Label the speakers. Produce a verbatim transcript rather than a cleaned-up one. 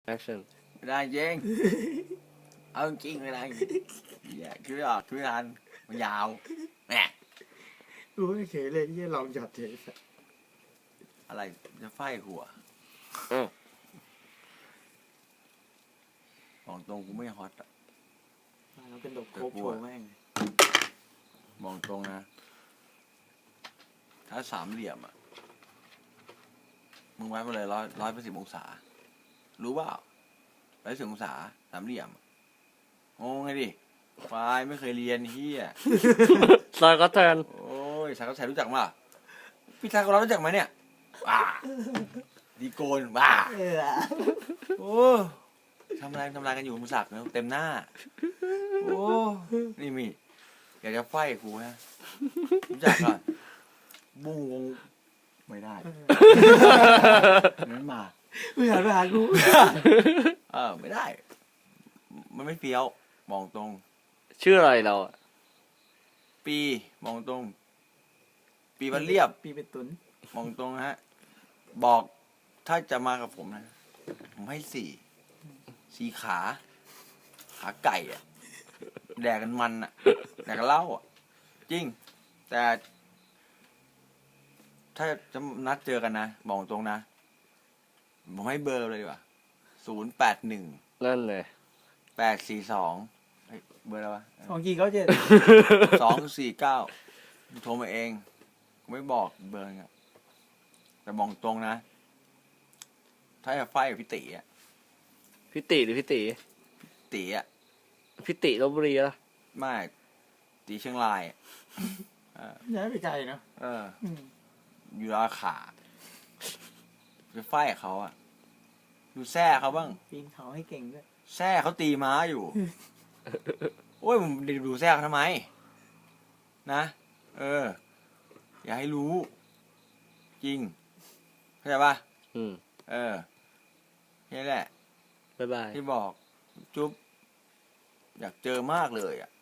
Speaker 1: action
Speaker 2: ไม่ได้จริง เอาจริงไม่ได้อย่าคิดไม่ออกคิดไม่ทันมันยาวแหม
Speaker 3: รู้ไม่เคยเลยที่ลองหยอดเฉย
Speaker 2: อะไรจะไฟหัว
Speaker 1: อ้าว
Speaker 2: บอกตรงกูไม่ฮอตอะ
Speaker 3: มาแล้วเป็นดอกโคบโชว์แม่ง
Speaker 2: บอกตรงนะ ถ้าสามเหลี่ยมอะมึงไว้มาเลยร้อยร้อยแปดสิบองศา รู้เปล่าร้อยสิบองศาสามเหลี่ยมงงไงดิไฟไม่เคยเรียนเฮีย
Speaker 1: ซอยก็แทน
Speaker 2: โอ้ยสายก็ใช้รู้จักมั้ยพี่ทากเรารู้จักไหมเนี่ยว้าดีโกนว้า
Speaker 3: เออ
Speaker 2: โอ้ทำอะไรทำอะไรกันอยู่มุสักเนอะเต็มหน้า โอ้นี่มีอยากจะไฟกูฮะรู้จักก่อนบุ้งวงไม่ได้นั้นมา
Speaker 3: ไม่หันไปหากู
Speaker 2: เออไม่ได้ มันไม่เฟี้ยวมองตรง
Speaker 1: ชื่ออะไรเราอะ
Speaker 2: ปีมองตรง ปีมันเรียบ
Speaker 3: ปีเป็นตุน
Speaker 2: มองตรงนะฮะ บอกถ้าจะมากับผมนะ ผมให้สี่สี่ขา ขาไก่อะแดกกันมันอะแดกกันเหล้าอะจริง แต่ ถ้าจะนัดเจอกันนะ บอกตรงนะ ผมให้เบอร์เลยดีกว่าศูนย์แปดหนึ่ง
Speaker 1: นั่นเลย
Speaker 2: แปดสี่สองเบอร์อะไรวะ
Speaker 3: ของกี่เขาเจ็ด
Speaker 2: สองสี่เก้าโทรมาเองไม่บอกเบอร์อะแต่บอกตรงนะ ถ้าจะไฟกับพี่ตีอะ
Speaker 1: พี่ติหรือพี่ติ
Speaker 2: ตีอะ
Speaker 1: พี่ติลพบุรีละ
Speaker 2: ไม่ตีเชียงรายอะเออ
Speaker 3: ย้ายไปไกลเนาะ
Speaker 2: เออ
Speaker 3: อืม
Speaker 2: อยู่ราขาจะไฟกับเขาอะดูแซ่เขาบ้าง
Speaker 3: ปีนเขาให้เก่งด้วย
Speaker 2: แซ่เขาตีม้าอยู่ โอ้ยผมดูแซ่เขาทำไม นะ เออ อย่าให้รู้ จริงเข้าใจปะ
Speaker 1: อืม
Speaker 2: เออนี่แหละ
Speaker 1: บ๊ายบาย
Speaker 2: ที่บอก จุ๊บอยากเจอมากเลยอ่ะ